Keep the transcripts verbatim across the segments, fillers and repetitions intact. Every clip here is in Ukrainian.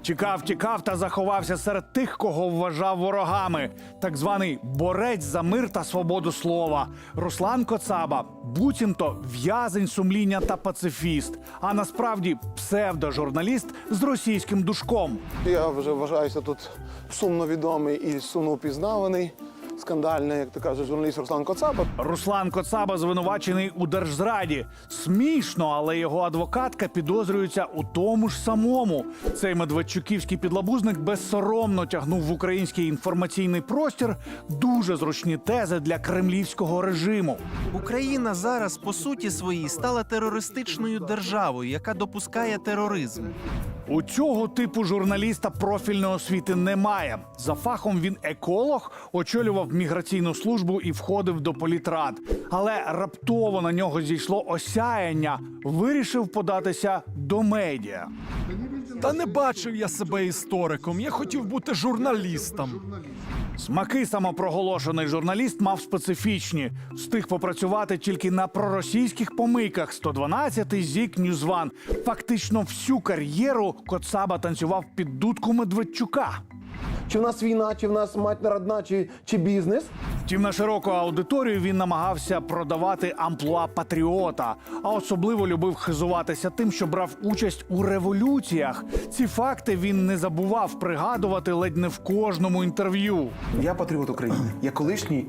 Тікав, тікав та заховався серед тих, кого вважав ворогами. Так званий борець за мир та свободу слова. Руслан Коцаба буцімто в'язень сумління та пацифіст. А насправді псевдожурналіст з російським душком. Я вже вважаюся тут сумно відомий і сумно впізнаваний. Скандальний, як ти кажеш, журналіст Руслан Коцаба. Руслан Коцаба звинувачений у держзраді. Смішно, але його адвокатка підозрюється у тому ж самому. Цей медведчуківський підлабузник безсоромно тягнув в український інформаційний простір дуже зручні тези для кремлівського режиму. Україна зараз, по суті своїй, стала терористичною державою, яка допускає тероризм. У цього типу журналіста профільної освіти немає. За фахом він еколог, очолював міграційну службу і входив до політрад. Але раптово на нього зійшло осяяння. Вирішив податися до медіа. Та не бачив я себе істориком, я хотів бути журналістом. Смаки самопроголошений журналіст мав специфічні. Встиг попрацювати тільки на проросійських помийках. сто дванадцятий, ЗІК, Ньюзван. Фактично всю кар'єру Коцаба танцював під дудку Медведчука. Чи в нас війна, чи в нас матір родна, чи, чи бізнес? Втім, на широку аудиторію він намагався продавати амплуа патріота, а особливо любив хизуватися тим, що брав участь у революціях. Ці факти він не забував пригадувати ледь не в кожному інтерв'ю. Я патріот України. Я колишній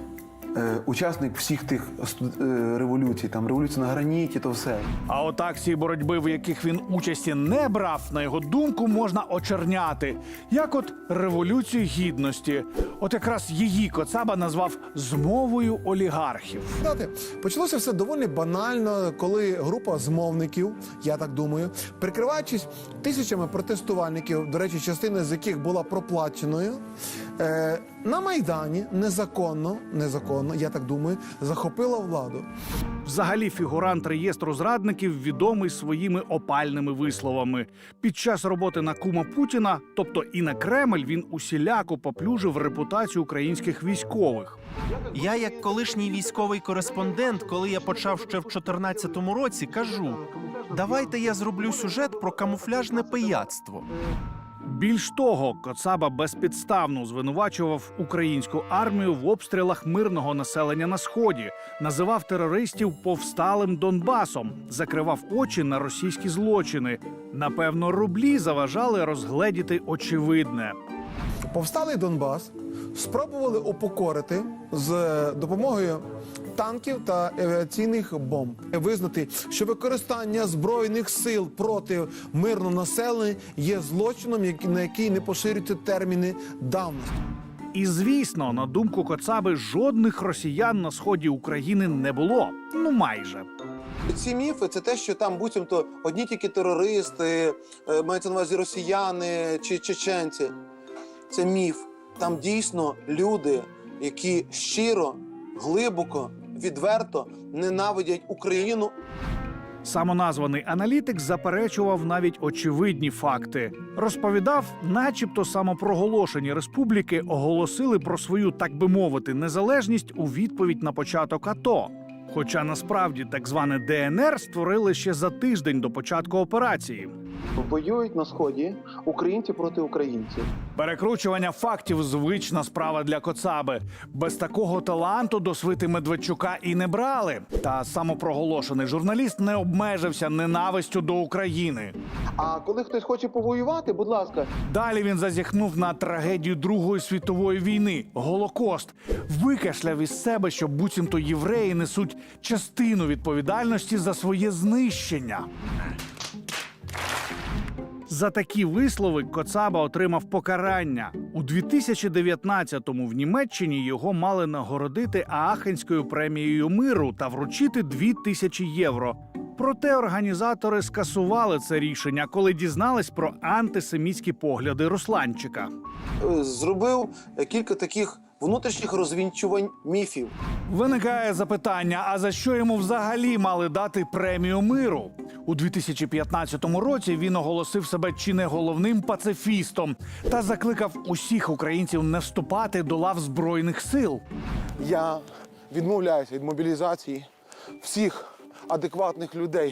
е, учасник всіх тих е, революцій, там революція на граніті, то все. А от акції боротьби, в яких він участі не брав, на його думку, можна очерняти. Як от Революцію Гідності. От якраз її Коцаба назвав «змовою олігархів». Знаєте, почалося все доволі банально, коли група змовників, я так думаю, прикриваючись тисячами протестувальників, до речі, частина з яких була проплаченою, е, на Майдані незаконно, незаконно, я так думаю, захопила владу. Взагалі фігурант реєстру зрадників відомий своїми опальними висловами. Під час роботи на кума Путіна, тобто і на Кремль, він усіляко поплюжив репутацію українських військових. Я, як колишній військовий кореспондент, коли я почав ще в чотирнадцятому році, кажу: давайте я зроблю сюжет про камуфляжне пияцтво. Більш того, Коцаба безпідставно звинувачував українську армію в обстрілах мирного населення на Сході, називав терористів повсталим Донбасом, закривав очі на російські злочини. Напевно, рублі заважали розгледіти очевидне. Повсталий Донбас спробували упокорити з допомогою танків та авіаційних бомб. Визнати, що використання збройних сил проти мирного населення є злочином, на який не поширюються терміни давності. І, звісно, на думку Коцаби, жодних росіян на сході України не було. Ну, майже. Ці міфи – це те, що там буцімто одні тільки терористи, е, мається на увазі росіяни чи чеченці. Це міф. Там дійсно люди, які щиро, глибоко, відверто ненавидять Україну. Самоназваний аналітик заперечував навіть очевидні факти. Розповідав, начебто самопроголошені республіки оголосили про свою, так би мовити, незалежність у відповідь на початок АТО. Хоча насправді так зване Де Ен Ер створили ще за тиждень до початку операції. Воюють на Сході українці проти українців. Перекручування фактів – звична справа для Коцаби. Без такого таланту до свити Медведчука і не брали. Та самопроголошений журналіст не обмежився ненавистю до України. А коли хтось хоче повоювати, будь ласка. Далі він зазіхнув на трагедію Другої світової війни – Голокост. Викашляв із себе, що буцімто євреї несуть частину відповідальності за своє знищення. За такі вислови Коцаба отримав покарання. У дві тисячі дев'ятнадцятому в Німеччині його мали нагородити Аахенською премією миру та вручити дві тисячі євро. Проте організатори скасували це рішення, коли дізнались про антисемітські погляди Русланчика. Зробив кілька таких внутрішніх розвінчувань міфів. Виникає запитання, а за що йому взагалі мали дати премію миру? У дві тисячі п'ятнадцятому році він оголосив себе чи не головним пацифістом та закликав усіх українців не вступати до лав Збройних сил. Я відмовляюся від мобілізації всіх адекватних людей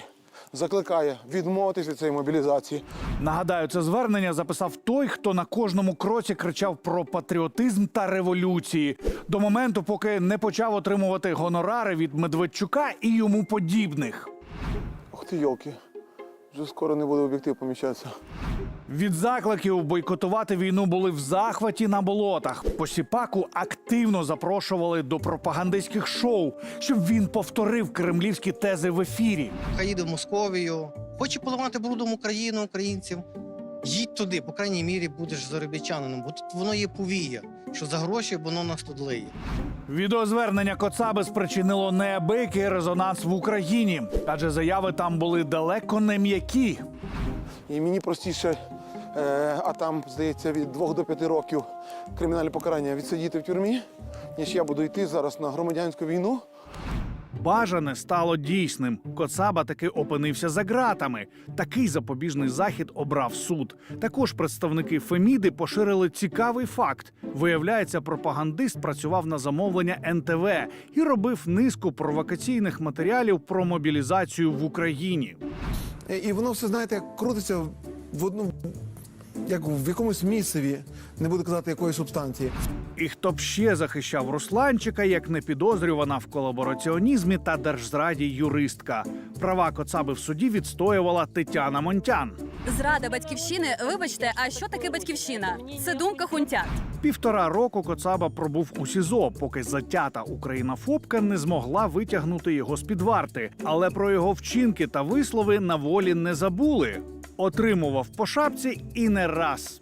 закликає відмовитися від цієї мобілізації. Нагадаю, це звернення записав той, хто на кожному кроці кричав про патріотизм та революції. До моменту, поки не почав отримувати гонорари від Медведчука і йому подібних. Ох ти, йолки, вже скоро не буде об'єктив поміщатися. Від закликів бойкотувати війну були в захваті на болотах. Посіпаку активно запрошували до пропагандистських шоу, щоб він повторив кремлівські тези в ефірі. Хай їде в Московію, хоче поливати брудом Україну, українців. Їдь туди, по крайній мірі будеш заробітчанином, бо тут воно є повія, що за гроші воно нас тут лиє. Відеозвернення Коцаби спричинило неабиякий резонанс в Україні, адже заяви там були далеко не м'які. І мені простіше, е, а там, здається, від двох до п'яти років кримінальне покарання відсидіти в тюрмі, ніж я буду йти зараз на громадянську війну. Бажане стало дійсним. Коцаба таки опинився за ґратами. Такий запобіжний захід обрав суд. Також представники Феміди поширили цікавий факт. Виявляється, пропагандист працював на замовлення ен те ве і робив низку провокаційних матеріалів про мобілізацію в Україні. І- І воно все, знаєте, крутиться в одну, як в якомусь місцеві, не буду казати якої субстанції. І хто б ще захищав Русланчика, як не підозрювана в колабораціонізмі та держзраді юристка. Права Коцаби в суді відстоювала Тетяна Монтян. Зрада батьківщини, вибачте, а що таке батьківщина? Це думка хунтят. Півтора року Коцаба пробув у СІЗО, поки затята українофобка не змогла витягнути його з-під варти. Але про його вчинки та вислови на волі не забули. Отримував по шапці і не раз.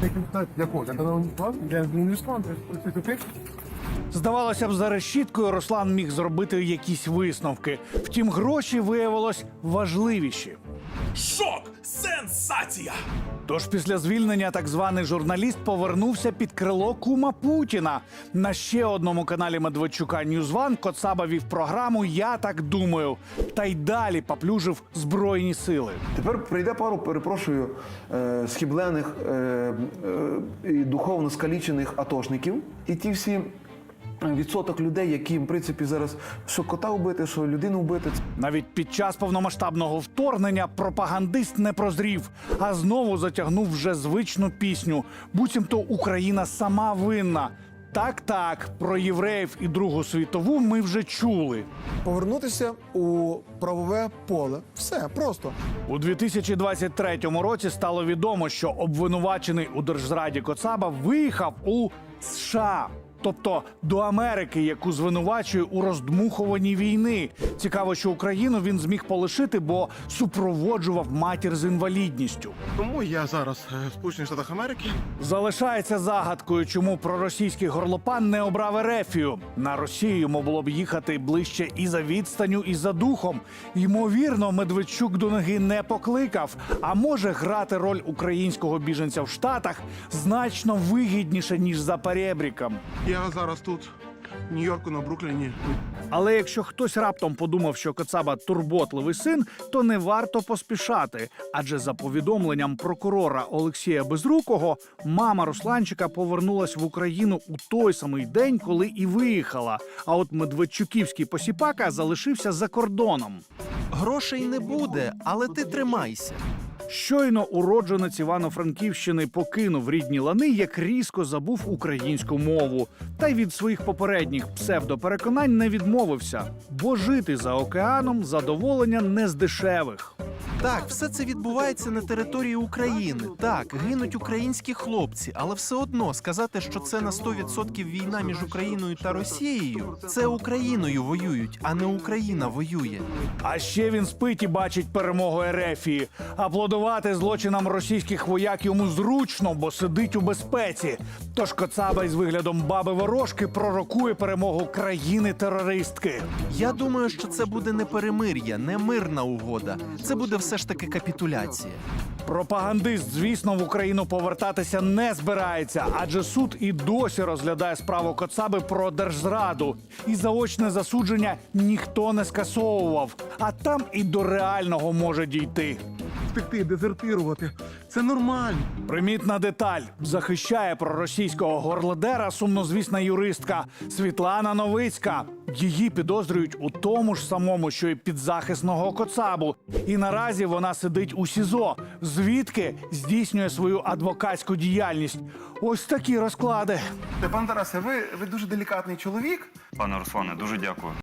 Здавалося б, за решіткою Руслан міг зробити якісь висновки. Втім, гроші виявилось важливіші. Шок! Сенсація! Тож після звільнення так званий журналіст повернувся під крило кума Путіна. На ще одному каналі Медведчука Ньюзван Коцаба вів програму «Я так думаю». Та й далі поплюжив Збройні сили. Тепер прийде пару, перепрошую, е, схиблених е, е, і духовно скалічених атошників. І ті всі відсоток людей, які, в принципі, зараз що кота вбити, що людину вбити. Навіть під час повномасштабного вторгнення пропагандист не прозрів, а знову затягнув вже звичну пісню. Буцімто Україна сама винна. Так-так, про євреїв і Другу світову ми вже чули. Повернутися у правове поле. Все, просто. У дві тисячі двадцять третьому році стало відомо, що обвинувачений у держзраді Коцаба виїхав у США. Тобто до Америки, яку звинувачує у роздмухуванні війни. Цікаво, що Україну він зміг полишити, бо супроводжував матір з інвалідністю. Тому я зараз е, в Сполучених Штатах Америки. Залишається загадкою, чому проросійський горлопан не обрав Ерефію. На Росію йому було б їхати ближче і за відстанню, і за духом. Ймовірно, Медведчук до ноги не покликав. А може, грати роль українського біженця в Штатах значно вигідніше, ніж за перебріком. Я зараз тут, в Нью-Йорку, на Брукліні. Але якщо хтось раптом подумав, що Коцаба турботливий син, то не варто поспішати. Адже за повідомленням прокурора Олексія Безрукого, мама Русланчика повернулась в Україну у той самий день, коли і виїхала. А от Медведчуківський посіпака залишився за кордоном. Грошей не буде, але ти тримайся. Щойно уродженець Івано-Франківщини покинув рідні лани, як різко забув українську мову. Та й від своїх попередніх псевдопереконань не відмовився. Бо жити за океаном задоволення не з дешевих. Так, все це відбувається на території України. Так, гинуть українські хлопці, але все одно сказати, що це на сто відсотків війна між Україною та Росією, це Україною воюють, а не Україна воює. А ще він спить і бачить перемогу Ерефії. Аплодувати злочинам російських вояк йому зручно, бо сидить у безпеці. Тож Коцаба із виглядом баби-ворожки пророкує перемогу країни-терористки. Я думаю, що це буде не перемир'я, не мирна угода. Це буде все ж таки капітуляція. Пропагандист, звісно, в Україну повертатися не збирається, адже суд і досі розглядає справу Коцаби про держзраду. І заочне засудження ніхто не скасовував. А там і до реального може дійти. Втекти, дезертирувати. Це нормально. Примітна деталь. Захищає проросійського горлодера сумнозвісна юристка Світлана Новицька. Її підозрюють у тому ж самому, що й підзахисного Коцабу. І наразі вона сидить у СІЗО, звідки здійснює свою адвокатську діяльність. Ось такі розклади. Пан Тарасе, ви, ви дуже делікатний чоловік. Пане Руслане, дуже дякую.